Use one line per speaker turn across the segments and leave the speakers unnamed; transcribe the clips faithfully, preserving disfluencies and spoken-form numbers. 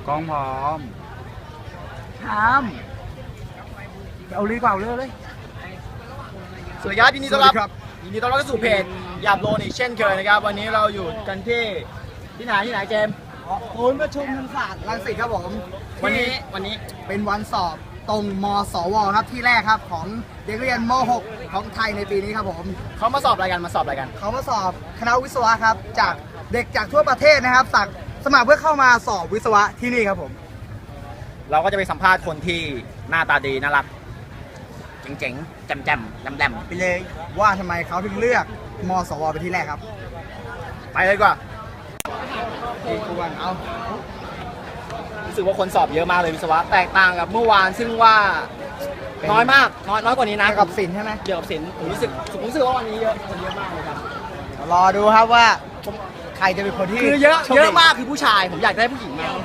กองพร้อมทำเอาลีกว่าเรือเลย
สวัสดีครับยินดีต้อนรับยินดีต้อนรับเข้าสู่เพจหยาบโลนอีกเช่นเคยนะครับวันนี้เราอยู่กันที่ที่ไหนที่ไหนเจมส์
ศูนย์ประชุมธรรมศาสตร์รังสิตครับผม
วันนี้วันนี้
เป็นวันสอบตรงมสวครับที่แรกครับของเด็กเรียนม หก ของไทยในปีนี้ครับผม
เขามาสอบอะไรกันมาสอบอะไรกัน
เขามาสอบคณะวิศวะครับจากเด็กจากทั่วประเทศนะครับสักสมัครเพื่อเข้ามาสอบวิศวะที่นี่ครับผม
เราก็จะไปสัมภาษณ์คนที่หน้าตาดีน่ารักเจ๋งๆแจ่มๆแหลมๆไปเลย
ว่าทำไมเขาถึงเลือกมสวเป็นที่แรกครับ
ไปเลยดีกว่า
ที่ทุกวันเอา
รู้สึกว่าคนสอบเยอะมากเลยวิศวะแตกต่างกับเมื่อวานซึ่งว่าน้อยมากน้อยน้อยกว่านี้นะ
เกี่ยวกับศิลป์ใช่ไหม
เกี่ยวกับศิลป์ผมรู้สึกผมรู้สึกว่าวันนี้เยอะคนเยอะมากเลยครับ
รอดูครับว่าใครจะเป็นคนที่
คือเยอะ
โชคดี
เยอะมากคือผู้ชายผมอยากได้ผู้หญิงมาก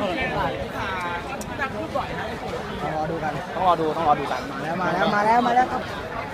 รอดูกัน
ต้องรอดูต้องรอดูกัน
มาแล้วมาแล้วมาแล้วมาแล้วครับ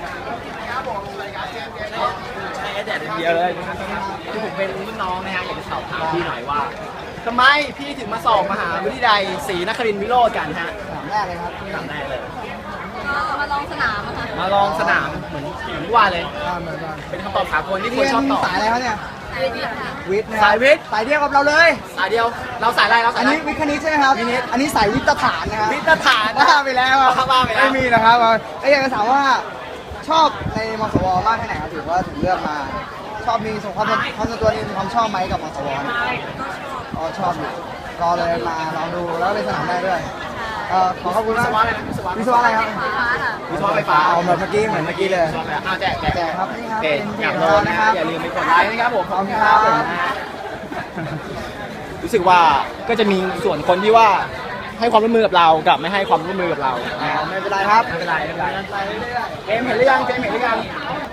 ใช่แดดเดียวเลยคือผมเป็นรุ่นน้องนะฮะอยากจะสอบถามพี่หน่อยว่าทำไมพี่ถึงมาสอบมหาวิทยาลัยศรีนครินทร์วิโรจน์กันฮะ
ถามแรกเลยครับ
ถามแรกเลย
มาลองสนามอะค่ะ
มาลองสนามเหมือนเหมือนที่ว่าเลย
อ่าเหมือนกัน
เป็นคำตอบสากลที่ค
เรี
น
ยน
ชอบตอบ
สายอะไรครับเนี่ย
สายวิทย์ค่ะ
วิทย์นะค
สา
รับ
ยวิทย์
สายเดียวกับเราเลย
สายเดียวเราสายอะไรเราสา
อั
ย
น
อะไร
นี้วิทย์คณิตใช่ไหมครับ
วิทย์
อันนี้สายวิทยาฐานนะครับ
วิทยาฐาน
บ้าไปแล้วครับ
บ้าไปแล้ว
ไม่มีนะครับแล้วอยากจะถามว่าชอบในมสวมากแค่ไหนครับถือว่าถึงเลือกมา ชอบมีส่วนความความส่วนตัวนี่มีความชอบไหมกับมสวอ๋อชอบอยู่ก็เลยมาลองดูแล้วเลยสนามได้ด้วยเอ่อขอขอบคุณ
วิ
มาก
ศวะอะไรนะวิศวะ
วิศวะอะไรครับ
ฟ้าค่ะ
วิศวะไฟฟ้า
เอาเหมือนเมื่อกี้เหมือนเมื่อกี้เลย
วิศวะไฟฟ้าอ้าวแจกแจก
แจกครับนี่ครับ
เพจ
เป็นเพจ
อยากโลนนะ
นะ
ค
ครั
รับบ อย่าลืมไปกดไลค์นะครับผม
ขอบคุณครับ
รู้สึกว่าก็จะมีส่วนคนที่ว่าให้ความร่วมมือกับเรากับไม่ให้ความร่วมมือกับเรานะครับ
ไม่เป็นไรครับ
ไม่เป็นไรไม่เป็นไรเกมเห็นหรือยังเกมเห็นหรือยัง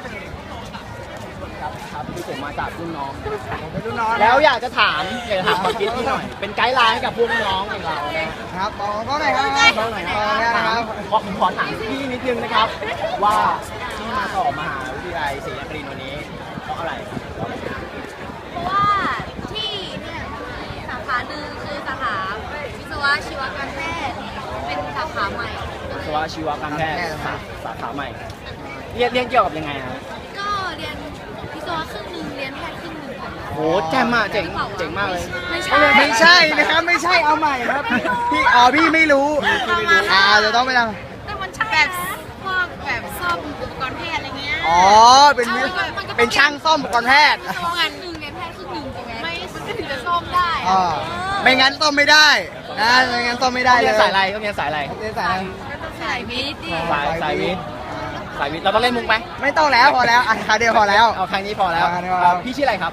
ครับครับที่ผมมาจากรุ่นน้อง
ผมเป็นรุ่นน้อง
แล้วอยากจะถามอยากจะถามความคิดพี่หน่อย เป็นไกด์ไลน์ให้กับพวกน้องอย่างเรานะ
ครับบอกก็หน่อยครับ
น้องหน่อยนะ
บอกเนี่ยนะ
ถา
ค
ม
รับ
ขอผมขอถามพี่นิดนึงนะครับ ว่าที่มาสอบมหาวิทยาลัยศรีนครินทร์วันนี้เพราะอะไร
เพราะว่าที่เนี่ยมีสาขาหนึ่งคือสาขาวิศวะชีวการแพทย์เป็นสาขาใหม่
วิศวะชีวการแพทย์สาสาขาใหม่เรียนเรียนเกี่ยวกับยังไงครับ
ก็เรียนวิศวะครึ่งหนึ่งเรียนแพทย์ครึ่งหนึ่งค่ะ
โหแจ่มมากเจ๋งเจ๋งมากเลย
ไม่ใช่
ไม่ใช่นะครับไม่ใช่เอาใหม่ครับพี่อ๋อพี่ไม่รู้อ่าจะต้องไปทำ
แต่มันใช่แบบพวกแบบซ่อมอุปกรณ์แพทย์อะไรเงี้ย
อ๋อเป็นวิเป็นช่างซ่อมอุปกรณ์แพทย์
วิศวะหนึ่งเรียนแพทย์ครึ่งหนึ่งใช่ไหมไม่มันก็ถึงจะซ่อมได้
อ๋อไม่งั้นซ่อมไม่ได้นะไม่งั้นซ่อมไม่ได้
เรี
เลย
นสายอะไรก็เรียนสายอะไร
เรียนสายอะไร
สายวิทย์ดิ
สายสายวิทย์สายวิทย์เราต้องเล่นมุกไหม
ไม่ต้องแล้วพอแล้วอ่ะคาเดียวพอแล้ว
เอาครั้งนี้พอแล้ว
เอาครั้งนี้พอแล้ว
พี่ชื่ออะไรครับ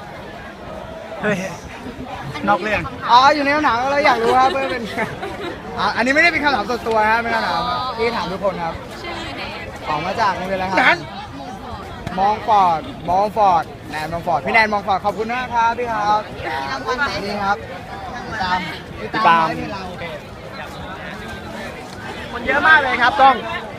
นอกเรื่อง
อ๋ออยู่ในคำถามเราอยากรู้ครับเพื่อเป็นอ่ะอันนี้ไม่ได้เป็นคำถามส่วนตัวครับเป็นคำถามที่ถามทุกคนครับ
ชื่อเนท
ออกมาจากนี่เป็นอะไรครับ
มงคล
มองฟอร์ด มองฟอร์ด แนนมองฟอร์ด พี่แนนมองฟอร์ด ขอบคุณมากครับพี่ครับ
มีรางวัลไหม
นี่ครับติดตาม
ติดตาม
ไว้ให้เรา
คนเยอะมากเลยครับต้อง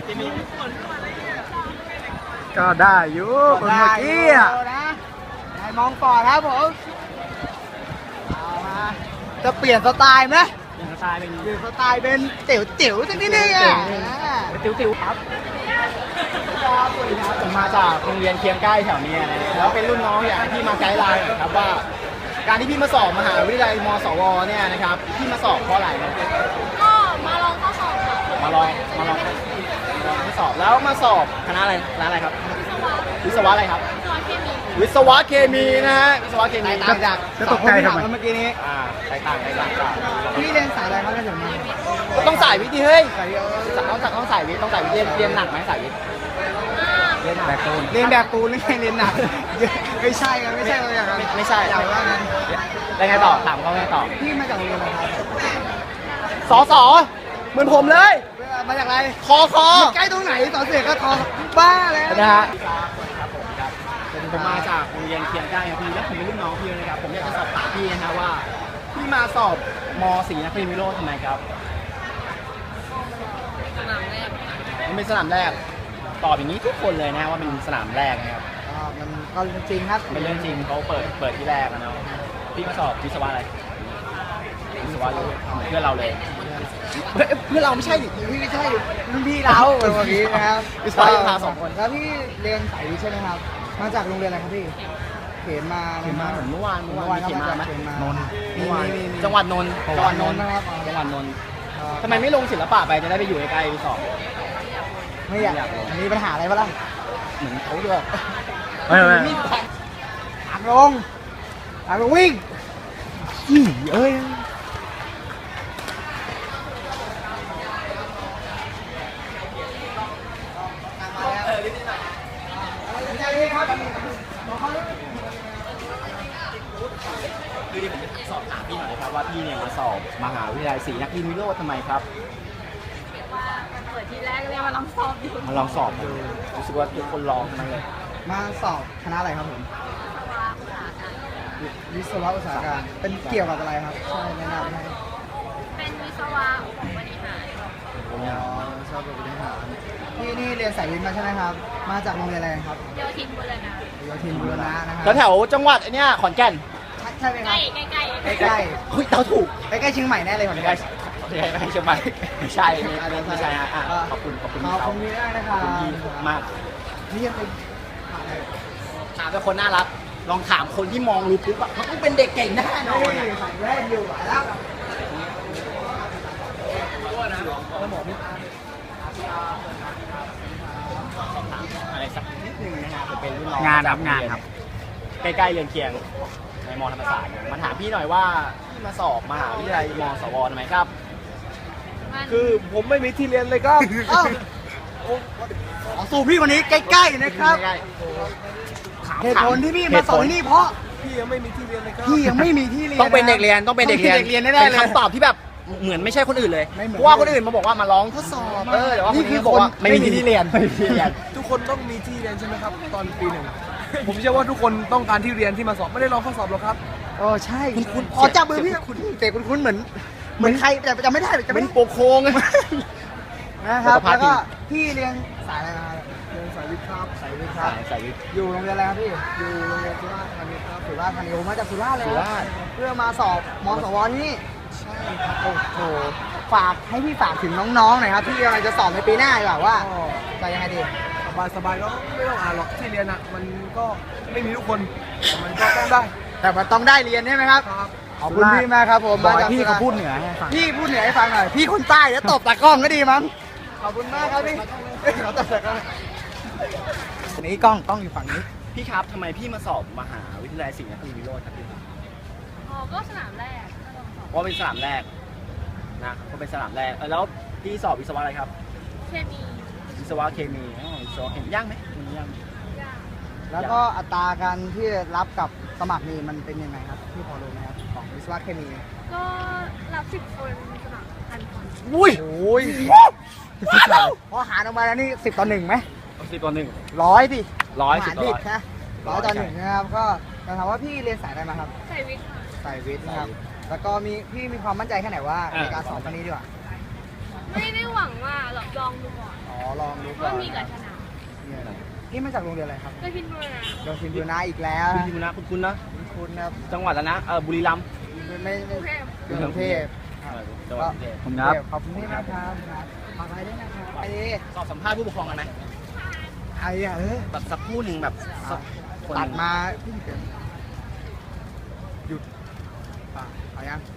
ก็ได้อยู่คนเมื่อกี้อ่ะ
นะแนนมองฟอร์ดครับผมเอามาจะเปลี่ยนสไตล์ไหม
เป็นสไตล์เป็น
เปลี่ยนสไตล์เป็นเตี๋ยวเตี๋ยวสักนิดนึงอ่ะ
ติ๋วติ๋วๆครับสวัสดีครับผมมาจากโรงเรียนเคียงใกล้แถวนี้นะแล้วเป็นรุ่นน้องอยากให้พี่มาไกด์ไลน์หน่อยครับว่า การที่พี่มาสอบมหาวิทยาลัยมสวเนี่ยนะครับพี่มาสอบเพราะอะไรครับ
ก็มาลองข้อสอบค่ะ
มาลองมาลองลองทดสอบแล้วมาสอบคณะอะไรคณะอะไรครับ วิศวะอะไรครับ
วิศวะเคมี
วิศวะเคมีนะฮะวิศวะเคมี
ต่างจาก
จะตกใจทำไม
เมื่อกี้นี้
อ่าแตกต่างแตกต่างกัน
พี่เรียนสายอะไรครับเรียนถึงมา
ต้องสายวิทย์ดิเฮ้ย
สายเดียว
ต้องต้องต้องสายวิทย์ต้องสายวิทย์เรียนเรียนหนักไหมสายวิทย์เรียนหนัก
แบบตูน
เรียนแบบปูนหรือไงเรียนหนักไม่ใช่ครับไม่ใช่อย่างนั้น
ไม่ไม่ใช่
อย่างว่างั้น
แล้วไงต่อถามเขาไงต่อ
พี่มาจากโรงเรียนอะไรครับ
สอสอเหมือนผมเลย
มาจากอะไร
คอคอ
ใกล้ตรงไหนสอนเสียก็ทอบ้าแล้ว
นะฮะผมมาจากโรงเรียนเคียงใกล้ครับพี่แล้วผมเป็นรุ่นน้องพี่นะครับผมอยากจะสอบถามพี่นะฮะว่าพี่มาสอบมศรีนครินทร์วิโรจน์ทำไมครับ
สนามแรก
มันเป็นสนามแรกตอบอย่างนี้ทุกคนเลยนะว่าเป็นสนามแรกนะครับ
อ่ามันก็จริงครับ
เป็นเรื่องจริงเขาเปิดเปิดที่แรกอะเนาะพี่มาสอบวิศวะอะไรวิศวะก็เหมือนเพื่อนเราเลยเฮ้ยเพื่อนเราไม่ใช่ดิ
พี่ไม่ใช่รุ่นพี่เราเป็นวันนี้นะครับ
วิศวะยุทธาสองคน
แล้วพี่เรียนสายวิทย์ใช่ไหมครับ มาจากโรงเรียนอะไรครับพี่ เข็นมา
เห็นมาเหมือนเมื่อวานเมื่อวานมี
ก็
เขียนมาไหม
เข็นมาน
นท์
มี
เมื่อวาน
มีมี
จังหวัดนนท์
จังหวัดนนท์นะครับ
จังหวัดนนท์ทำไมไม่ลงศิลปะไปจะได้ไปอยู่ใกล้ๆวิศวะ
ไม่อยาก
ไม่อยากลง
มีปัญหาอะไรปะล่ะ
เหมือนเขาด้วย
ไม่ไม่
มีแผน
อ่างลงอ่างลงวิ่งอีเอ้ยใจดีครับ
คือที่ผมจะสอบถามพี่หน่อยนะครับว่าพี่เนี่ยมาสอบมหาวิทยาลัยศรีนครินทร์วิโรจน์ทำไมครับ
ว่ามันเปิดที่แรกเลยมาลองสอบอยู่
มาลองสอบดูรู้สึกว่าทุกคนลองทั้งนั้นเลย
มาสอบคณะอะไรครับผม
วิศวะอุตสาหการ
วิศวะอุตสาหการเป็นเกี่ยวกับอะไรครับใช่แนะนำให้
เป็นวิศวะบริหาร
อ๋อชอบแบบนี้ครับนี่นี่เรียนสายวิทย์มาใช่ไหมครับ มาจากโรงเรียนอะไรครับ
โยธินบุรณะ
โยธินบูรณะนะครั
แล้วแถวจังหวัดไอเนี้ยขอนแก่น
ใช่ใช่ไหมค
ใก
รั
ล้
บ
ใกล้ใกล้
ใกล้
เฮ้ยเดาถูก
ๆใกล้ๆเชียงใหม่แน่เลยผม
ไม่
ใก
ใช่
ล้
ไม่ใช่ไม่ใช่เชียงใหม่ไม่ใช่ไม่ไม่ใช่ฮะอ่ะขอบคุณขอบคุณ
ข
พี่
อบ
เขา
คุณพี่มากนะครับ
ขอบคุณพี่มาก
นี่ยังเป็น
ถามเป็นคนน่ารักลองถามคนที่มองรู้ปุ๊บอะมันต้องเป็นเด็กเก่งแน่นอน
นี่
อะ
ใส่แว่นอยู่แล้ว
อะไรสักนิดนึงนะฮะผมเป็นรุ่นน้อง
งานครับ
จก
งานครับ
ใกล้ๆเรียนเคียงในมอธรรมศาสตร์มาถามพี่หน่อยว่าพี่มาสอบมหาวิทยาลัยมสวทำไมครับ
มัน
คือผมไม่มีที่เรียนเลยครับ
เอ้าขอสู่พี่คนนี้ใกล้ๆนะครับ
ใกล้ๆถาม
เหตุผลที่พี่มาสอนที่นี่เพราะ
พี่ยังไม่มีที่เรียนเลยครับ
พี่ยังไม่มีที่เรียน
ต้องเป็นเด็กเรียนต้องเป็นเด็กเรียน
ต้องเป็นเด็กเรียนแน่ๆเลย
เป็นคำตอบที่แบบเหมือนไม่ใช่คนอื่นเลย
ไม่เหมือน
เพราะว่าคนอื่นมาบอกว่ามาร้องทดสอบเออแต่ว่าคนนี้บอกว่าไม่มีที่เรียนไม่มีที่เรียน
ทุกคนต้องมีที่เรียนใช่ไหมครับ ตอนปีหนึ่ง ผมเชื่อว่าทุกคนต้องการที่เรียนที่มาสอบไม่ได้ลองข้อสอบหรอกครับ
โอ้ใช่
คุณ
อ๋อจับมือพี่คุณเตะคุณคุณเหมือน เหมือนใครแต่จำไม่ได้จำไม่
เป็น
ได้
โปกโคง
นะครับ
สุขภาพ
แล้วก็
ดี
พี่เรียนสายอะไรมาครับ
เรียนสายวิทย์ครับ
สายวิทย์ครั
สา
บ
ยสายวิทย์
อยู่โรงเรียนอะไรครับพี่ อยู่โรงเรียนสุราษฎร์ธานีครับสุราษฎร์ธานีโอ้มาจากสุราษฎร์เลย
สุ
ค
รา
รับ
ษฎร์
เพื่อมาสอบมสวที่นี่ใช่ครับโอ้โหฝากให้พี่ฝากถึงน้องๆหน่อยครับที่กำลังจะสอบในปีหน้าดีกว่าว่าจะยังไงดี
สบายสบายๆก็ไม่ต้องอ่านหรอกที่เรียนอ่ะ มันก็ไม่มีทุกคนแต่มันก็ต้องได้
แต่มันต้องได้เรียนใช่ไหมครับ
ครับ
ขอบคุณพี่มากครับผม
บอก
มา
ให้
จาก
พี่
สุร
เขา
ษฎร์
พูดเหนือให้ฟัง
พี่พูดเหนือให้ฟังหน่อยพี่คนใต้แล้วตบตากล้องก็ดีมั้งขอบคุณมากครับพี่ขอตบตากล้องอันนี้กล้องกล้องอยู่ฝั่งนี้
พี่ครับทำไมพี่มาสอบมหาวิทยาลัยศรีนครินทร์วิโรจน์ครับพี่
อ๋อก็สนามแรกก็ลองสอบ
เพราะเป็นสนามแรกนะเพราะเป็นสนามแรกเออแล้วพี่สอบวิศวะอะไรครับ
เคมี
วิศวะเคมีอ๋อวิศวะเคมียากไหมมันยากไหม
ยาก
แล้วก็อัตราการที่รับกับสมัครนี่มันเป็นยังไงครับพี่พอรู้ไหมครับของวิศวะเคมี
ก็รับสิบคนสมัครพันคน
อุ้ย
โอ้ยพอหารออกมาแล้วนี่สิบต่อหนึ่งไหม
สิบต่อหนึ่ง
ร้อยดิ
ร้อย
หา
สิบ
ร
ต่อ
ผิ
ร้
ด
อย
นะร้อยต่อหนึ่งนะครับก็จะถามว่าพี่เรียนสายอะไรมาครับ
ใส่วิทย์ค่ะ
สายวิทย์นะครับแล้วก็มีพี่มีความมั่นใจแค่ไหนว่าในการสอบครั้งนี้ดีกว่า
ไม่ได้หวังว่าหรอกลองดูก่อน
อ๋อลองดูก่อ
ว่าน มีกับชนะ
เนี่ยพี่มาจากโรงเรียนอะไรครับ
ก็คิดว่านะ
โรงเรียนบูรณะอีกแล้ว
คุณคุณนะคุณคุณนะ
คุณครับ
จังหวัดแล้วนะเออบุรีรัมย์
ไม่
กรุงเทพ
กรุงเทพ
เออจังหวัดกรุงเทพ
ผมครับ
ขอบคุณพี่มากครับขอบคุณด้วยนะครับไอ้นี่
สอบสัมภาษณ์ผู้ปกครองกันไหม
ไอ้อะเออ
แบบสักคู่หนึ่งแบบสักคนห
ตั
นึ่
ด
ง
มาหยุดป่ะเอายัง